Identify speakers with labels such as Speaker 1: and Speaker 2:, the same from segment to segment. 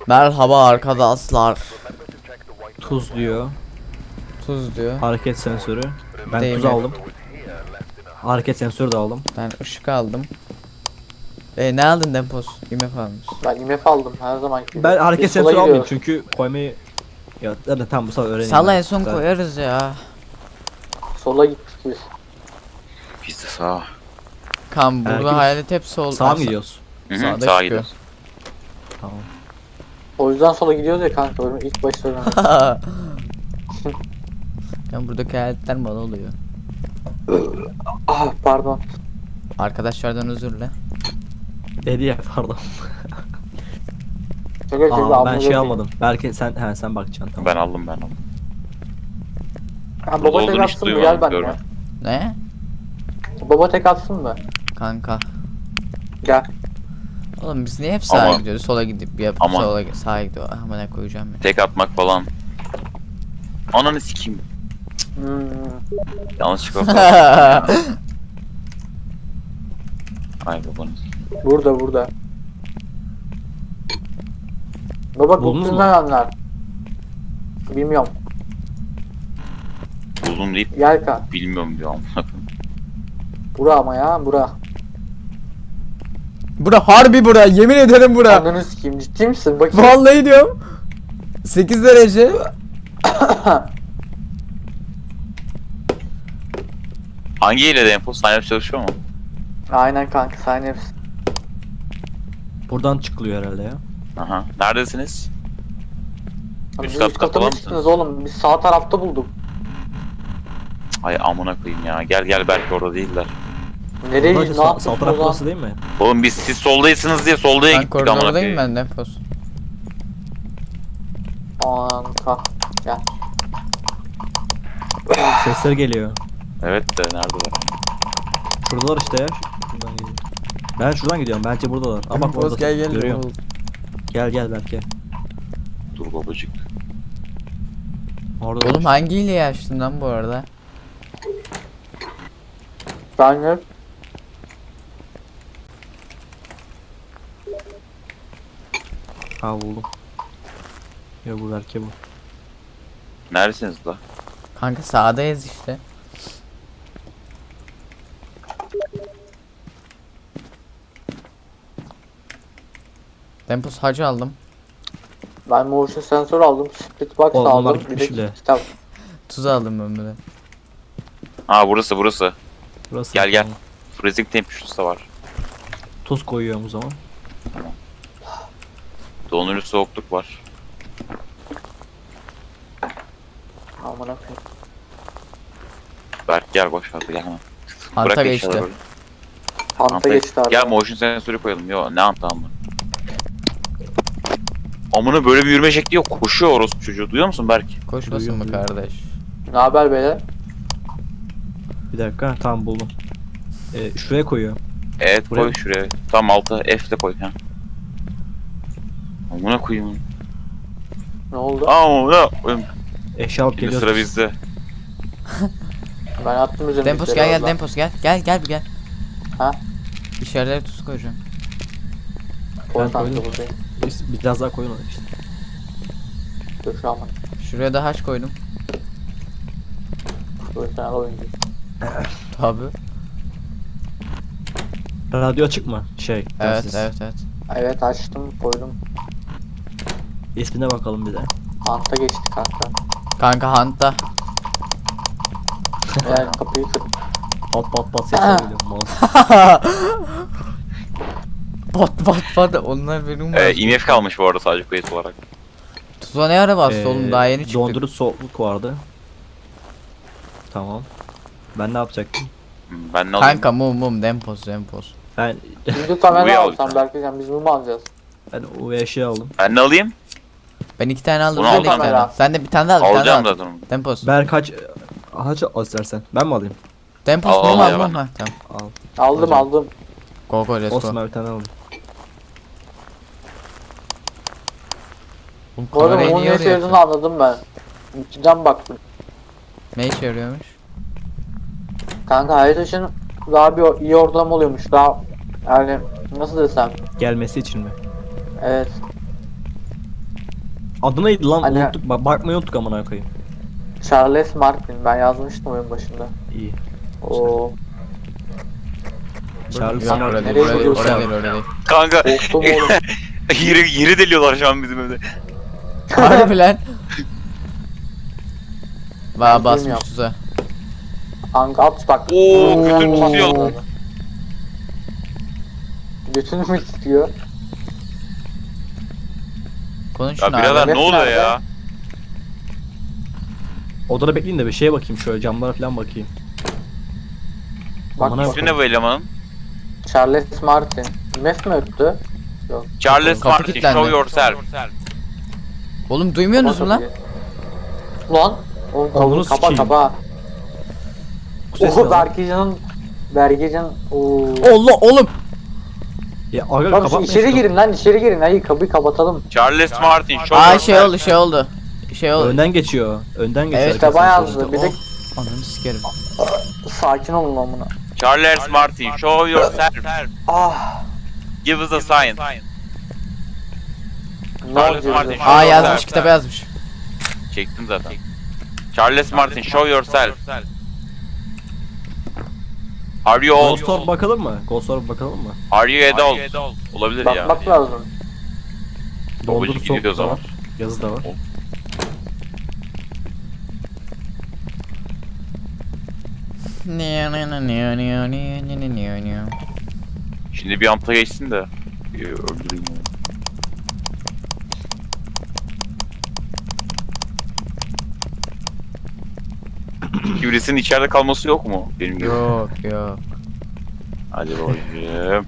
Speaker 1: Merhaba arkadaşlar.
Speaker 2: Tuz diyor.
Speaker 1: Tuz diyor.
Speaker 2: Hareket sensörü. Ben
Speaker 1: Değil
Speaker 2: tuz
Speaker 1: mi?
Speaker 2: aldım. Hareket sensörü de aldım.
Speaker 1: Ben ışık aldım. Ne aldın Dempos? IMF almış.
Speaker 3: Ben IMF aldım her zaman gibi.
Speaker 2: Ben hareket
Speaker 3: Biz sola
Speaker 2: sensörü almayayım
Speaker 3: gidiyoruz.
Speaker 2: çünkü koymayı... Ya da tam bu sefer öğreneyim.
Speaker 1: Salla
Speaker 2: ben.
Speaker 1: en son
Speaker 2: Güzel.
Speaker 1: koyarız ya.
Speaker 3: Sola gittik biz.
Speaker 4: Biz de sağa.
Speaker 1: Kan burada
Speaker 2: Herkes-
Speaker 1: hayalet hep sol.
Speaker 2: Sağa mı gidiyoruz?
Speaker 4: Hı hı,
Speaker 1: Sağda
Speaker 4: sağa
Speaker 1: çıkıyor.
Speaker 4: gidiyoruz.
Speaker 2: Tamam.
Speaker 3: O yüzden sola gidiyoruz ya kanka. Benim ilk başta öğrendim.
Speaker 1: Ya buradaki hayaletler bana oluyor.
Speaker 3: Ah pardon.
Speaker 1: Arkadaşlardan özür dile.
Speaker 2: Dedi ya pardon.
Speaker 3: Şaka şaka
Speaker 2: Aa, ben
Speaker 3: abone
Speaker 2: şey
Speaker 3: olayım.
Speaker 2: almadım. Belki sen bakacaksın tamam.
Speaker 4: Ben aldım.
Speaker 3: Ha,
Speaker 4: Burada
Speaker 3: baba tek
Speaker 4: olduğunu hiç
Speaker 3: atsın mı?
Speaker 4: duymadım,
Speaker 3: Gel benimle.
Speaker 4: görmedim.
Speaker 1: Ne?
Speaker 3: Baba tek atsın mı?
Speaker 1: Kanka.
Speaker 3: Gel.
Speaker 1: Oğlum biz niye hep sağa
Speaker 4: Ama-
Speaker 1: gidiyoruz? Sola gidip yapıp
Speaker 4: Ama-
Speaker 1: sağa gidiyor. Ama ne koyacağım ya.
Speaker 4: Tek atmak falan. Ananı sikeyim.
Speaker 3: Hmm.
Speaker 4: Yanlışlıkla falan. Ay babanı.
Speaker 3: Burada. Baba
Speaker 2: Buldunuz
Speaker 3: bu
Speaker 2: mu?
Speaker 3: nerenler? Bilmiyorum.
Speaker 4: Buldum deyip
Speaker 3: Gel kan.
Speaker 4: bilmiyorum diyor amına koyayım.
Speaker 3: Bura ama ya bura.
Speaker 1: Bura harbi bura. Yemin ederim bura.
Speaker 3: Ananı sikeyim ciddi misin? Bakayım.
Speaker 1: Vallahi diyorum. 8 derece.
Speaker 4: Hangi hilede info? Sign çalışıyor mu?
Speaker 3: Aynen kanka sen hepsi.
Speaker 2: Buradan çıkılıyor herhalde ya.
Speaker 4: Aha. Neredesiniz?
Speaker 3: Biz
Speaker 4: Üst katta
Speaker 3: üst kata
Speaker 4: falan
Speaker 3: mı
Speaker 4: mısınız?
Speaker 3: çıktınız oğlum? Biz sağ tarafta bulduk.
Speaker 4: Ay amına koyayım ya. Gel belki orada değiller.
Speaker 3: Nereye
Speaker 2: Burası
Speaker 3: ne
Speaker 2: sağ
Speaker 3: yaptık o
Speaker 2: taraf
Speaker 3: zaman?
Speaker 2: burası değil mi?
Speaker 4: Oğlum biz siz soldaysınız diye soldaya
Speaker 1: Ben
Speaker 4: gittik amına
Speaker 1: koridordayım
Speaker 4: koyayım.
Speaker 1: ben Dempos.
Speaker 3: Kanka. Gel.
Speaker 2: Sesler geliyor.
Speaker 4: Evet de neredeler?
Speaker 2: Şuradalar işte ya. Şuradan geliyor. Ben şuradan gidiyorum. Bence buradalar. Ama bak
Speaker 1: Dempos
Speaker 2: orada.
Speaker 1: gel gel.
Speaker 2: Görüyorum. Gel belki.
Speaker 4: Dur babacık.
Speaker 2: Orada.
Speaker 1: Oğlum hangi hileyi açtın lan bu arada?
Speaker 3: Ben hep
Speaker 2: Ha buldum. Yok bu belki bu.
Speaker 4: Neredesiniz la?
Speaker 1: Kanka sağdayız işte. Dempos hacı aldım.
Speaker 3: ben motion sensör aldım, split box
Speaker 2: Oğlum, onlar
Speaker 3: aldım, bir
Speaker 2: gitmiş
Speaker 3: de
Speaker 2: bile.
Speaker 3: kitap.
Speaker 1: Tuz aldım ben bir de.
Speaker 4: Ha burası.
Speaker 2: Burası.
Speaker 4: Gel.
Speaker 2: Tamam.
Speaker 4: Freezing temperatures da var.
Speaker 2: Tuz koyuyorum o zaman.
Speaker 4: Dondurucu soğukluk var.
Speaker 3: Aman akıyım.
Speaker 4: Berk gel boş ver gel hemen.
Speaker 1: Hanta
Speaker 4: Bırak
Speaker 1: geçti.
Speaker 4: eşyaları.
Speaker 3: Hanta geçti abi.
Speaker 4: Gel motion sensörü koyalım. Yo ne hanta amına. Amına böyle bir yürüme şekli yok. Koşuyor orospu çocuğu. Duyuyor musun Berk?
Speaker 1: Koşmasın mı
Speaker 2: Duyuyorum.
Speaker 1: kardeş?
Speaker 3: Ne haber beyler?
Speaker 2: Bir dakika. Tamam buldum. Şuraya koyuyorum.
Speaker 4: Evet
Speaker 2: Buraya
Speaker 4: koy
Speaker 2: mı?
Speaker 4: şuraya. Tam alta F'le koy ha. Amına koyayım.
Speaker 3: Ne oldu?
Speaker 4: Amına koyayım.
Speaker 2: Eşya alıp
Speaker 4: Şimdi
Speaker 2: geliyoruz.
Speaker 4: sıra bizde.
Speaker 3: Ben attım üzerine.
Speaker 1: Dempos gel Dempos gel. Gel bir gel.
Speaker 3: Ha?
Speaker 1: İçerilere tuz koyacağım.
Speaker 3: Koy
Speaker 2: Ben
Speaker 3: kanka
Speaker 2: koydum.
Speaker 3: buradayım.
Speaker 2: Biraz daha koyun işte.
Speaker 3: Dur şu an.
Speaker 1: Şuraya da haç koydum.
Speaker 3: Profesyonel oyuncu.
Speaker 1: Tabi.
Speaker 2: Radyo açık mı?
Speaker 1: Evet
Speaker 2: telsiz.
Speaker 1: evet.
Speaker 3: Evet açtım koydum.
Speaker 2: İsmine bakalım bir de.
Speaker 3: Hanta geçti kanka.
Speaker 1: Kanka Hant'ta.
Speaker 3: Eğer kapıyı kır.
Speaker 2: Pat sesler geliyor. Mouse.
Speaker 1: Bat. Onlar benim var.
Speaker 4: IMF kalmış bu arada sadece kayıt olarak.
Speaker 1: Tuza ne ara bastı oğlum daha yeni çıktık.
Speaker 2: Dondurucu soğukluk vardı. Tamam. Ben ne yapacaktım?
Speaker 4: Ben ne alayım?
Speaker 1: Kanka mum Dempos.
Speaker 2: Ben
Speaker 3: Şimdi kamera
Speaker 4: Buraya
Speaker 3: alsam
Speaker 4: alacağım.
Speaker 3: belki sen biz bunu alacağız.
Speaker 2: o eşya aldım.
Speaker 4: Ben ne alayım?
Speaker 1: Ben 2 tane aldım
Speaker 4: Bunu
Speaker 1: sen de 2
Speaker 4: alacağım.
Speaker 1: tane al. Sen de bir tane daha al.
Speaker 4: Alacağım zaten onu.
Speaker 1: Dempos.
Speaker 2: Kaç al istersen. Ben mi alayım?
Speaker 1: Dempos
Speaker 4: Al,
Speaker 1: mum
Speaker 4: al
Speaker 1: al
Speaker 4: ya
Speaker 1: mum
Speaker 4: ben.
Speaker 1: ha tamam.
Speaker 2: Al.
Speaker 3: Aldım.
Speaker 1: Go let's
Speaker 2: Olsun
Speaker 1: go.
Speaker 2: ben bir tane aldım.
Speaker 1: Oğlum
Speaker 3: Bu arada
Speaker 1: kamerayı
Speaker 3: bunun
Speaker 1: niye
Speaker 3: ne
Speaker 1: oraya
Speaker 3: işe yaradığını
Speaker 1: atıyorsun?
Speaker 3: anladım ben. İçinden baktım.
Speaker 1: Ne işe yarıyormuş?
Speaker 3: Kanka hayat için daha bir iyi ortalama oluyormuş. Daha yani nasıl desem.
Speaker 2: Gelmesi için mi?
Speaker 3: Evet.
Speaker 2: Adı neydi lan?
Speaker 3: Hani-
Speaker 2: Unuttuk. Bakmayı unuttuk amına koyayım.
Speaker 3: Charles Martin. Ben yazmıştım oyun başında.
Speaker 2: İyi.
Speaker 3: Oo.
Speaker 2: Charles
Speaker 1: Yok
Speaker 3: Nereye
Speaker 1: orada değil,
Speaker 3: gidiyorsun?
Speaker 1: orada değil, orada değil.
Speaker 4: Kanka
Speaker 3: Korktum oğlum.
Speaker 4: yeri deliyorlar şu an bizim evde.
Speaker 1: Harbi lan.
Speaker 3: Ben
Speaker 1: Basmış
Speaker 3: bilmiyorum.
Speaker 1: tuza.
Speaker 3: Kanka at bak.
Speaker 4: Oo götür tutuyor.
Speaker 3: Götünü mü tutuyor?
Speaker 1: Konuşun
Speaker 4: Ya birader
Speaker 1: abi.
Speaker 4: ne oluyor
Speaker 3: nerede?
Speaker 4: ya?
Speaker 2: Odada bekleyin de bir şeye bakayım şöyle camlara falan bakayım.
Speaker 3: Bak
Speaker 2: Amına
Speaker 3: bak.
Speaker 4: İsmi ne bu elemanın?
Speaker 3: Charles Martin. Mef mi öptü?
Speaker 4: Charles
Speaker 1: Kapı
Speaker 4: Martin,
Speaker 1: kilitlendi.
Speaker 4: show yourself.
Speaker 1: Oğlum duymuyorsunuz mu lan?
Speaker 3: Lan. Oğlum
Speaker 2: Oğlunu
Speaker 3: kapa
Speaker 2: sikeyim.
Speaker 3: kapa.
Speaker 2: Bu ses ne
Speaker 3: Oho
Speaker 2: lan?
Speaker 3: Bergecan. Oo.
Speaker 1: Allah oğlum.
Speaker 2: Ya aga
Speaker 3: Lan
Speaker 2: kapatmayın.
Speaker 3: içeri girin lan içeri girin. Hayır kapıyı kapatalım.
Speaker 4: Charles Martin, show
Speaker 1: Aa
Speaker 4: yourself.
Speaker 1: şey oldu. Şey oldu.
Speaker 2: Önden geçiyor. Önden geçiyor.
Speaker 1: Evet,
Speaker 3: İşte
Speaker 2: arkasından
Speaker 3: bayağı
Speaker 2: sonra.
Speaker 3: hızlı. Bir de
Speaker 1: Ananı sikerim.
Speaker 3: sakin olun lan buna.
Speaker 4: Charles Martin, show yourself.
Speaker 3: Ah.
Speaker 4: Give us a sign.
Speaker 3: Ne
Speaker 4: Charles
Speaker 3: oluyor?
Speaker 4: Martin.
Speaker 1: Aa yazmış, kitaba yazmış.
Speaker 4: Çektim zaten. Charles Martin, show yourself. Are you old?
Speaker 2: Ghost Orb bakalım mı? Ghost Orb bakalım mı?
Speaker 4: Are you adult? Olabilir ya.
Speaker 3: Bakmak lazım.
Speaker 2: Doldur
Speaker 4: Babacık
Speaker 2: soğuk
Speaker 4: gidiyor o
Speaker 2: da
Speaker 4: zaman.
Speaker 2: var. Yazı da var.
Speaker 4: Şimdi bir amta geçsin de. Öldüreyim onu. Kibrisinin içeride kalması yok mu? Benim gibi.
Speaker 1: Yok yok.
Speaker 4: Hadi bakayım.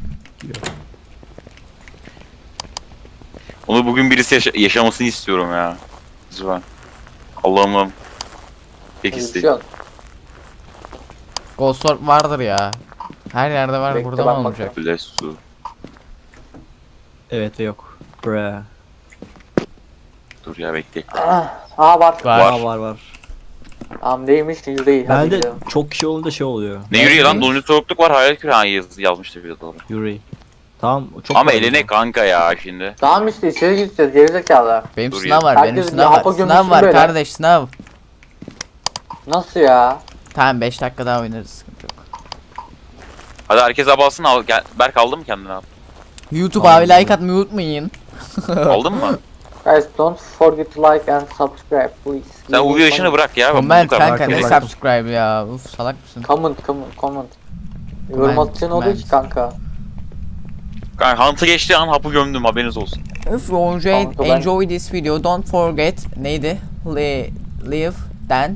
Speaker 4: Onu bugün birisi yaşamasını istiyorum ya. Lütfen. Allah'ım. Pek istedim.
Speaker 3: Konuşuyor.
Speaker 1: Ghost Orb vardır ya. Her yerde var,
Speaker 3: Bekle,
Speaker 1: burada
Speaker 3: bak
Speaker 1: mı olacak?
Speaker 4: Bless su.
Speaker 2: Evet ve yok. Bre.
Speaker 4: Dur ya bekle.
Speaker 3: Aa var.
Speaker 1: Var.
Speaker 2: Var var var.
Speaker 3: Tamam değilmiş yüzdeyi. Hadi
Speaker 2: Bende
Speaker 3: gidelim.
Speaker 2: çok kişi olunca şey oluyor.
Speaker 4: Ne yürüyor lan?
Speaker 1: neymiş?
Speaker 4: Donlu soğukluk var. Hayal küre yazmıştı bir de doğru.
Speaker 2: Yuri. Tamam çok
Speaker 4: Ama
Speaker 2: var
Speaker 4: eline
Speaker 2: burada.
Speaker 4: kanka ya şimdi.
Speaker 3: Tamam işte içeri gideceğiz gerizekalı.
Speaker 1: Benim
Speaker 4: Dur
Speaker 1: sınav
Speaker 4: ya.
Speaker 1: var, benim
Speaker 3: Herkes
Speaker 1: sınav
Speaker 3: bir
Speaker 1: var.
Speaker 3: hapa
Speaker 1: Sınav
Speaker 3: gömülsün
Speaker 1: var
Speaker 3: böyle.
Speaker 1: kardeş, sınav.
Speaker 3: Nasıl ya?
Speaker 1: Tamam 5 dakika daha oynarız, sıkıntı yok.
Speaker 4: Hadi herkes abalsın al. Gel. Berk aldın mı kendini al?
Speaker 1: YouTube abi like atmayı unutmayın.
Speaker 4: Aldın mı?
Speaker 3: Guys don't forget to like and subscribe please.
Speaker 4: Sen Uvi yaşını bırak ya.
Speaker 1: Comment
Speaker 4: bu kadar.
Speaker 1: kanka, ne
Speaker 2: Bırak.
Speaker 1: subscribe ya. Uf salak mısın?
Speaker 3: Comment. Yorum atacaksın oluyor ki kanka.
Speaker 4: Kanka Hunt'ı geçti an hapı gömdüm haberiniz olsun.
Speaker 1: If you
Speaker 3: Kanka ben-
Speaker 1: enjoy this video, don't forget neydi? Leave then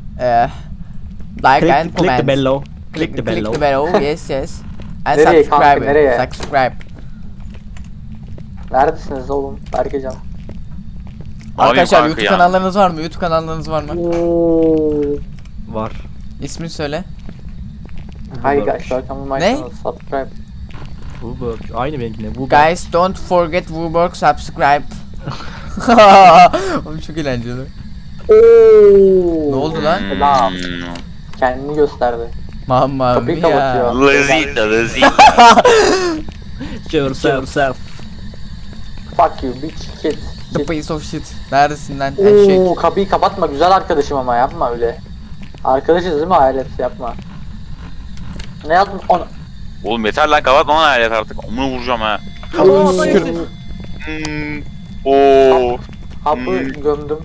Speaker 1: like and
Speaker 2: Click the
Speaker 1: comment.
Speaker 2: bello. Click the bello.
Speaker 1: Click the bell. Yes yes. And
Speaker 3: Nereye
Speaker 1: subscribe.
Speaker 3: kanka, nereye?
Speaker 1: Subscribe.
Speaker 3: Neredesiniz oğlum? Berkecan.
Speaker 1: Arkadaşlar
Speaker 4: kanka
Speaker 1: YouTube
Speaker 4: ya?
Speaker 1: kanallarınız var mı? YouTube kanallarınız var mı?
Speaker 2: Var.
Speaker 1: İsmini söyle.
Speaker 3: Hi
Speaker 2: Uber.
Speaker 3: guys welcome to my
Speaker 1: Ne?
Speaker 3: channel subscribe.
Speaker 2: Uber. Aynı benimkine. Uber.
Speaker 1: Guys don't forget Woodwork subscribe. Oğlum çok eğlenceli. Ne oldu lan?
Speaker 3: Selam. Kendini gösterdi.
Speaker 1: Mamma
Speaker 3: Kapıyı
Speaker 1: mia.
Speaker 3: kapatıyor.
Speaker 4: Lazita, lazita.
Speaker 2: Yourself.
Speaker 3: Fuck you bitch shit.
Speaker 1: The piece of shit. Neredesin lan? Eşek.
Speaker 3: Oo, kapıyı kapatma güzel arkadaşım ama yapma öyle. Arkadaşız değil mi hayalet yapma. Ne yaptın? Ona.
Speaker 4: Oğlum yeter lan kapatma lan hayret artık. Onu vuracağım ha.
Speaker 2: Aa,
Speaker 4: Oo.
Speaker 3: Hapı gömdüm.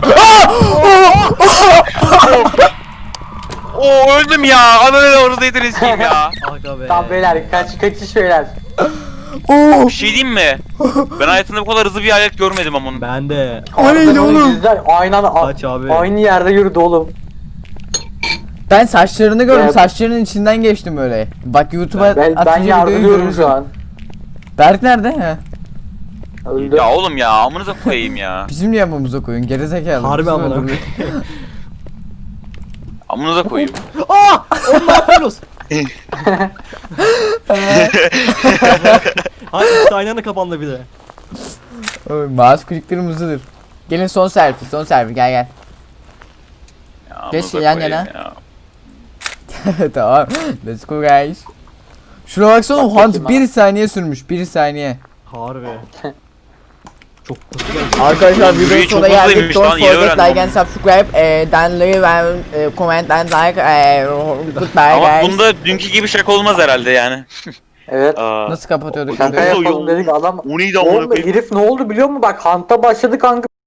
Speaker 4: Oo öldüm ya. Ananı orada yediniz kim ya?
Speaker 2: Aga be.
Speaker 3: Tamam beyler kaçış beyler.
Speaker 4: Bir şey diyeyim mi? Ben hayatımda bu kadar hızlı bir hayalet görmedim ama.
Speaker 2: Ben de.
Speaker 1: O neydi oğlum?
Speaker 3: Yüzler
Speaker 2: Kaç abi?
Speaker 3: aynı yerde yürüdü oğlum.
Speaker 1: Ben saçlarını gördüm.
Speaker 3: Ya-
Speaker 1: Saçlarının içinden geçtim öyle. Bak YouTube'a
Speaker 3: Ben
Speaker 1: atınca videoyu
Speaker 3: yardırıyorum
Speaker 1: görürsün.
Speaker 3: şu an.
Speaker 1: Berk nerede? He.
Speaker 3: Öldü.
Speaker 4: Ya oğlum ya amınıza koyayım ya.
Speaker 1: Bizim niye yapmamıza koyun? Gerizekalı.
Speaker 2: Harbi
Speaker 1: Bizim
Speaker 2: amına
Speaker 1: öldürdü.
Speaker 2: koyayım.
Speaker 4: Amınıza koyayım.
Speaker 2: Aa! Oğlum ne yapıyorsunuz? Hayır ikisi aynı anda kapandı bir de.
Speaker 1: Oy, mouse klick kırmızıdır. Gelin son selfie gel gel.
Speaker 4: Ya
Speaker 1: Geç
Speaker 4: amınıza
Speaker 1: yan
Speaker 4: koyayım
Speaker 1: yana.
Speaker 4: ya.
Speaker 1: Tamam. Let's go guys. Şuna baksana
Speaker 3: Bak
Speaker 1: Hunt
Speaker 3: bakayım
Speaker 1: 1 saniye sürmüş. 1 saniye.
Speaker 2: Harbi. Çok hızlı geldi.
Speaker 1: Arkadaşlar
Speaker 4: Oğlum,
Speaker 1: videonun
Speaker 4: yürüyü
Speaker 1: sonuna
Speaker 4: çok
Speaker 1: geldik.
Speaker 4: hızlıymış
Speaker 1: Don't
Speaker 4: lan, yeni
Speaker 1: forget
Speaker 4: öğrendim
Speaker 1: like and subscribe. Then leave and comment and like. Goodbye
Speaker 4: Ama
Speaker 1: guys.
Speaker 4: bunda dünkü gibi şaka olmaz herhalde yani.
Speaker 3: Evet.
Speaker 4: Aa,
Speaker 1: Nasıl kapatıyorduk?
Speaker 3: Şaka
Speaker 1: videoyu?
Speaker 3: yapalım dedik adam.
Speaker 4: O neydi amına
Speaker 3: Oğlum
Speaker 4: koyayım?
Speaker 3: herif ne oldu biliyor musun? Bak Hunt'a başladı kanka.